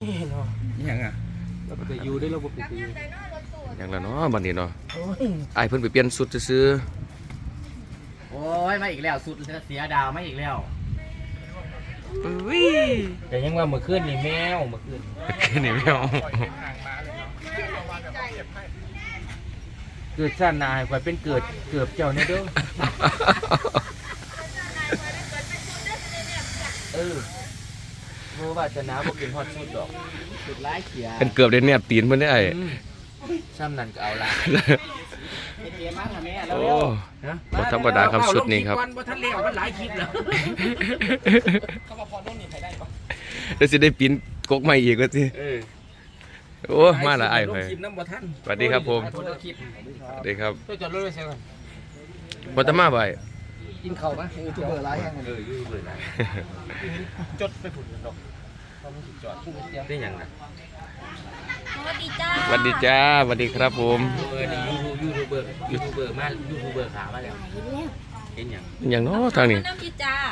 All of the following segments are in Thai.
ยังอ่ะเราไปอยู่ได้เราไปอยู่อย่างละเนาะบัดนี้เนาะไอ้เพิ่นไปเปลี่ยนสุดซื้อโอ้ยมาอีกแล้วสุดเสียดาวมาอีกแล้วแต่ยังว่าเมื่อคืนนี่แมวเมื่อคืนนี่ไม่เอาเกิดชาติหน้าให้ข่อยเป็นเกือบเจ้าเนี่ยเด้อโมว่าจะน้าบอกกินฮอตสุดดอกสุดร้ายเขียเป็นเกือบได้แนบตีนเพิ่นได้ไอ้ซ้ำนั่นก็เอาละเกมมาค่ะแม่แล้วโอ้บ่ธรรมดาครับชุดนี้ครับบ่ทันเลี้ยวมันหลายคลิปแล้วเขาบอกพอโน่นนี่ใครได้ปะเดี๋ยวสิได้ปิ้นกกใหม่อีกว่าสิโอ้มาละไอ้เพิ่นสวัสดีครับผมสวัสดีครับจอดรถไว้เสียก่อนบ่ตะมาบ่ไอ้กินข้าวมั้ยยูทูบเบอร์หลายแห่งยูทูบเบอร์หลายจดไปพุ่นดอกเขาไม่จอดได้หยังน่ะสวัสดีจ้าสวัสดีจ้าสวัสดีครับผมยูทูบเบอร์มายูทูบเบอร์ขามาแล้วเห็นยังอย่างเนาะทางนี้น้ำพริกจ้า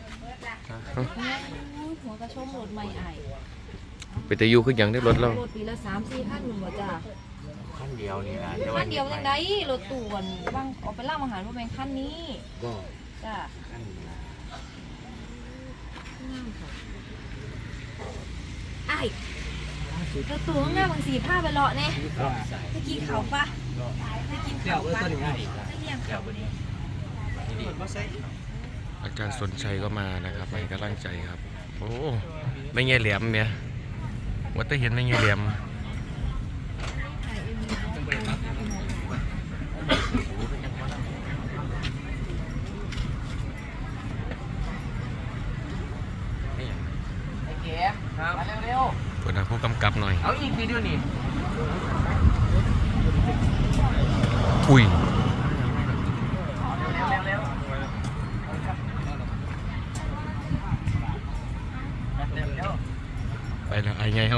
หัวกระชมรถใหม่ไอไปแต่อยู่คือหยังได้รถเรารถปีละ3-4 พันหนึ่งบ่จ้าขั้นเดียวนี่นะขั้นเดียวยังไงรถตู้วันบางออกไปล่าอาหารว่าเป็นขั้นนี้ก็จ้าไอรถตู้ข้างหน้าบางสีผ้าไปเลาะเนี่ยไปกินเขาปะไปกินเขาปะไปเลี้ยงเขาเนี่ยอาจารย์สนชัยก็มานะครับให้กำลังใจครับโอ้ไม่เงี้ยแหลมเนี่ยว่าจะเห็นไม่เงี้ยแหลมมาเร็วๆเปิดหน้าผู้กำกับหน่อยเอาอีกวิดีโอนี่อุ้ยไปแล้วไอ้ไงเฮ้า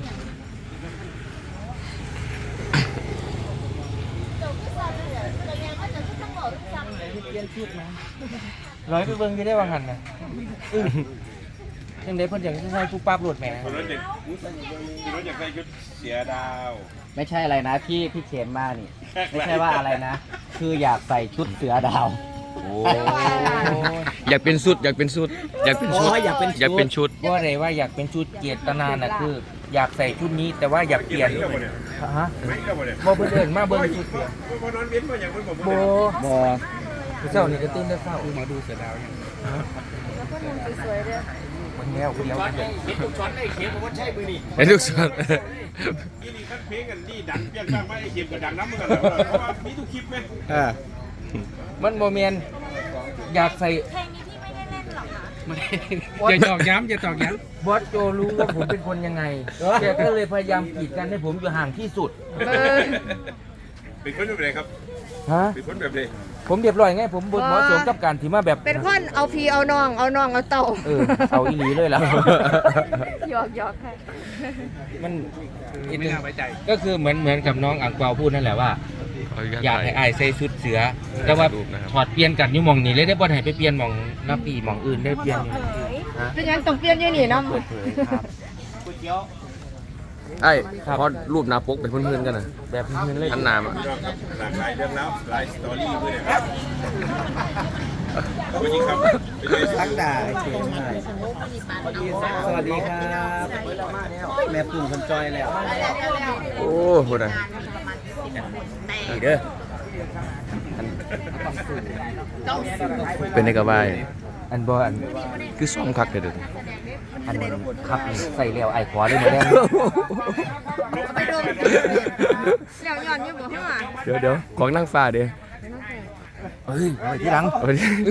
ร้อยไปเบิ่งจะได้วางหันนะยังได้เพิ่นอยากจะใช้ผู้ปราบรถแหมรถอยากใส่ชุดเสียดาวไม่ใช่อะไรนะพี่เขมมานี่ไม่ใช่ว่าอะไรนะคืออยากใส่ชุดเสือดาวอยากเป็นชุดอยากเป็นชุดอยากเป็นชุดอยากเป็นชุดว่าอะไรว่าอยากเป็นชุดเจตนาน่ะคืออยากใส่ชุดนี้แต่ว่าอยากเปลี่ยนฮะบ่เพิ่นเอิ้นมาเบิ่งชุดเปลี่ยนบ่นอนเว้นบ่อย่างเพิ่นบ่เช้านี่ก็ตื่นแต่เช้ามาดูเสือดาวยังแล้วก็นุ่งสวยๆด้วยมันแนวคนเดียวกันเห็นทุกช็อตได้เข็มว่าใช่มือนี่เห็นทุกช็อตนี่ขั้นเพลงกันนี่ดังเปรี้ยงๆมาไอ้เข็มกับดังน้ำเหมือนกันเพราะว่ามีทุกคลิปไหมมันโมเมนอยากใส่เพลงนี้พี่ไม่ได้เล่นหรอกคะอย่าตอกย้ำอย่าตอกย้ำบอสโจรู้ว่าผมเป็นคนยังไงแกก็เลยพยายามกีดกันให้ผมอยู่ห่างที่สุดเป็นคนแบบไหนครับฮะเป็นคนแบบไหนผมเรียบร้อยไงผมบนหมอสมกับการที่มาแบบเป็นคนเอาพีเอาน้องเอาเต่าเอาอีหลีเลยแล้วหยอกค่ะมันไม่น่าไว้ใจก็คือเหมือนกับน้องอังเปาพูดนั่นแหละว่าอยากให้ไอ้ใส่ชุดเสือแต่ว่าถอดเปลี่ยนกันอยู่มองนี้เลยได้บ่ให้ไปเปลี่ยนมองน้าปีมองอื่นได้เปลี่ยนเป็นยังต้องเปลี่ยนยังนี่น้ำไอ้พอรูปหน้าปกเป็นเพื่อนๆกันนะแบบเพื่อนเลยอันนามหลากหลายเรื่องแล้วหลายสตอรี่ด้วยนะครับสวัสดีครับทั้งด่าสวัสดีครับแม่ปุ่มคนจอยแล้วโอ้โหนะนี่เด้อเป็นในกระบายอันบอลคือซ้อมคักเลยเด้ออันครับใส่เลี้ยวไอ้ขวาด้วยมาแดงไปดมเลี้ยวย้อนอยู่บ่ฮะเดี๋ยวของนั่งฟ้าเด้เฮ้ยไปที่หลังไป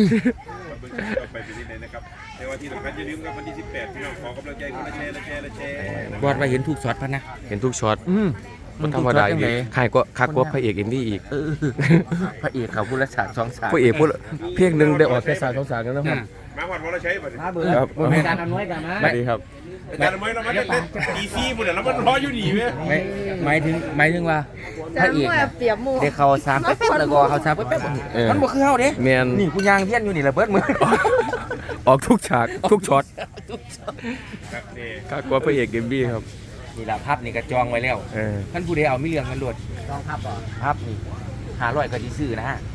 ที่ไหนนะครับแต่ว่าที่สำคัญอย่าลืมครับวันที่18พี่น้องขอกำลังใจคนละแชร์บอลมาเห็นทุกช็อตพันนะเห็นทุกช็อตมันธรรมดาอีกใครก็คักกว่าพระเอกเอ็มวีอีกพระเอกเขาพูดละฉาก2 ฉากพระเอกพูดเพียงหนึ่งได้ออกแค่3 2 3กันแล้วครับมาวันวรชัยมาเบอร์ครับการอำนวยกันนะสวัสดีครับการอำนวยเรามาเล่นดีซีหมดแล้วมันรออยู่ดีไหมหมายถึงว่าพระเอกเด็กเขา3แป๊บแล้วก็เขา3แป๊บมันบ่คือเฮาเด้แม่นนี่กูยางเทียนอยู่นี่ระเบิดมือออกทุกฉากทุกช็อตครับนี่ข้ากลัวพระเอกเอ็มบี้ครับนี่ละพับนี่ก็จองไว้แล้วเออท่านผู้ใดเอาไม่เรื่องกันโลดจองพับบ่พับนี่500ก็สิซื้อนะฮะ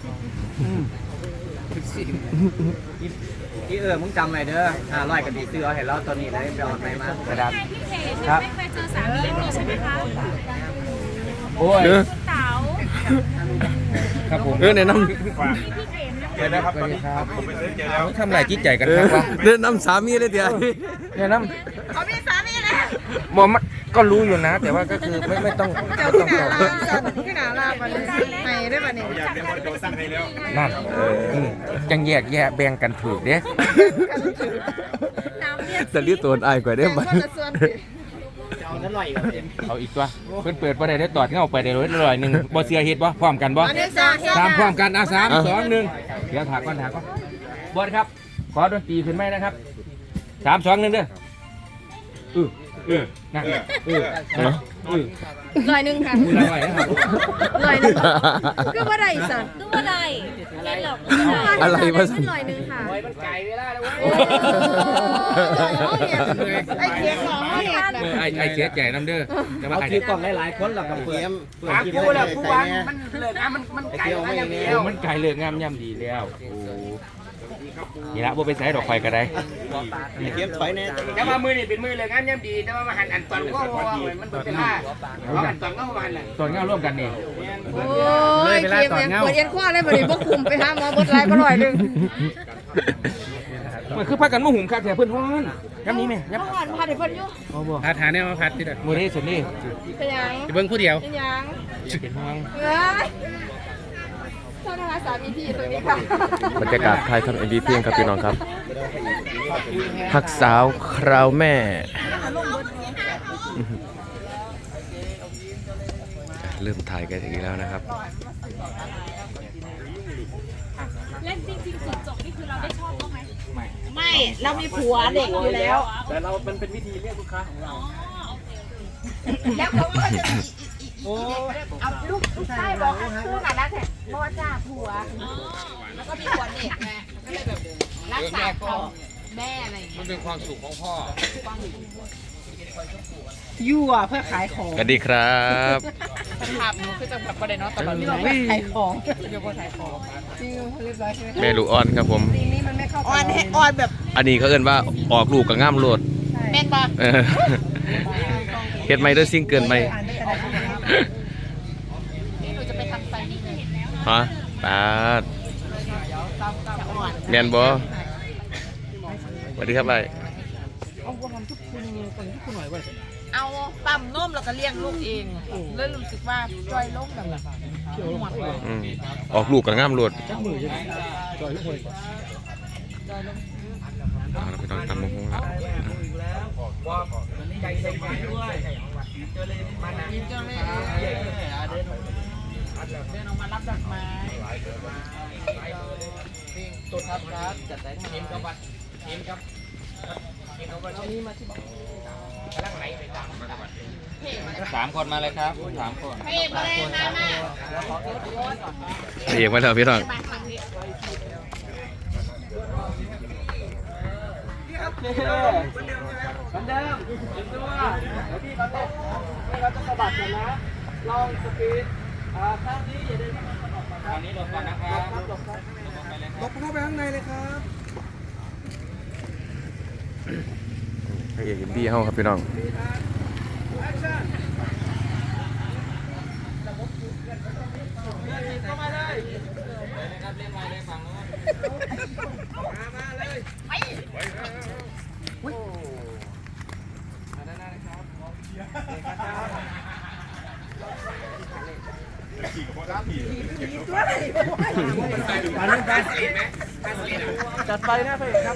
พี่มึงจำไว้เด้อ500กันดีซื้อเอาให้เราตัวนี้เลยไปเอาไปมากระดับพี่เพจยังไม่เคยเจอสามีนี่ใช่ไหมคะโอ้ยเออเต๋าครับผมแนะนฝากพี่เข็มนะเจอแล้วครับตอนนี้ผมไปซื้อเจอแล้วทำไรจิตใจกันำครับวะแนะนำสามีเลยเดี๋ยวเนี่ยน้เขามีสามีแล้วำมอมนก็รู้อยู่นะ แต่ว่าก็คือไม่ต้องเจ้าไม่ที่ต้องหนาตอบลาที่หนาลาบันให้ได้บันนี้เขาอยากได้บอลโจสั่งให้แล้วนั่นจังแยกแบ่งกันถูกเด้น้ำเรียกจะรีบตัวอ้ายกว่าได้ไหมก็จะส่วนเอาอีกตัวเพิ่นเปิดบ่ได้ตอดเงาไปได้ร้อยหนึงบ่เสียเฮ็ดบ่พร้อมกันบ่อันนี้สาเหตุตามพร้อมกัน3 2 1เดี๋ยวถากก่อนบอสครับขอดนตรีขึ้นไหมนะครับ3 2 1เด้อนะลอยหนึ่งค่ะคุณอร่อยนะครับลอยหนึ่งก็ว่าได้สันตู้อะไรเล่นหรอกอะไรวะสันลอยหนึ่งค่ะไอ้เสียใจน้ำเด้อแต่ว่าเอาไอ้คลิปก่อนหลายๆคนเราก็เปิดคลิปได้ผู้วางมันเลิกมันไกลแล้วอย่างนี้มันไก่เลือกงามย่ำดีแล้วโอ้นี่ละบ่ไปใส่ดอกไฟก็ได้เข็มถอยแน่แต่ว่ามือนี่เป็นมือเลยงานย่ำดีแต่ว่ามาหันอันตอนก็ว่ามันเป็นผ้าเพราะอันตอนก็มันแหละตอนเงาร่วมกันนี่โอ้ยเกมเนี่ยปวดเอ็นข้อเลยบันนี้พวกคุมไปหาหมอบดไลก็ลอยหนึ่งมันคือพักกันมาหุงข้าวแถวเพื่อนฮ้อนย้ำนี้ไหมย้ำก่อนพาเด็กเพิ่นอยู่พัดหาเนี่ยมาพัดที่เด็ดมือนี้สุดนี่เป็นยังเบิ้งผู้เดียวเป็นยังเป็นห่วงเอ้ยเจ้าหน้าสามีพี่ตรงนี้ค่ะบรรยากาศไทยทำเอ็มบีเพียงครับพี่น้องครับฮักสาวคราวแม่เริ่มถ่ายกันอีกแล้วนะครับเล่นจริงๆจุดจบนี่คือเราได้ชอบเขาไหมไม่เรามีผัวเด็กอยู่แล้วแต่เราเป็นวิธีเรียกลูกค้าของเราแล้วเขาก็จะเอาลูกชายบอกคือหน่ะนะแต่บอจ่าผัว แล้วก็มีผัวเด็กไงก็เลยแบบรักษาเขาแม่อะไรอย่างเงี้ยมันเป็นความสุขของพ่อยั่วเพื่อขายของสวัสดีครับภาพหนูคือจะแบบประเด็นเนาะตลอดที่เราขายของอยู่บนขายของจริงเรียบร้อยใช่ไหมแม่ลูกอ่อนครับผมซีนี้มันไม่เข้าออนแบบอันนี้เขาเอิ้นว่าออกลูกกับง่ามโลดแม่นปะเออเฮ็ดไม่ด้วยซิ่งเกินไปหนูจะไปทำไฟนี่เลยฮะปาดแมนบอสวัสดีครับไอ้เอาปั๊มนมแล้วก็เลี้ยงลูกเองเลยรู้สึกว่าจอยลงแบบหมดเลยอืมออกลูกกับง่ามโลดเอาเราไปต้องตำมะฮงแล้ว 3 คนมาเลยครับ3 คนเฮ้ยมาเลยมาเอกมาแล้วพี่น้องพระเอกอินดี้เฮาครับพี่น้องจัดไปนะเพื่อนครับ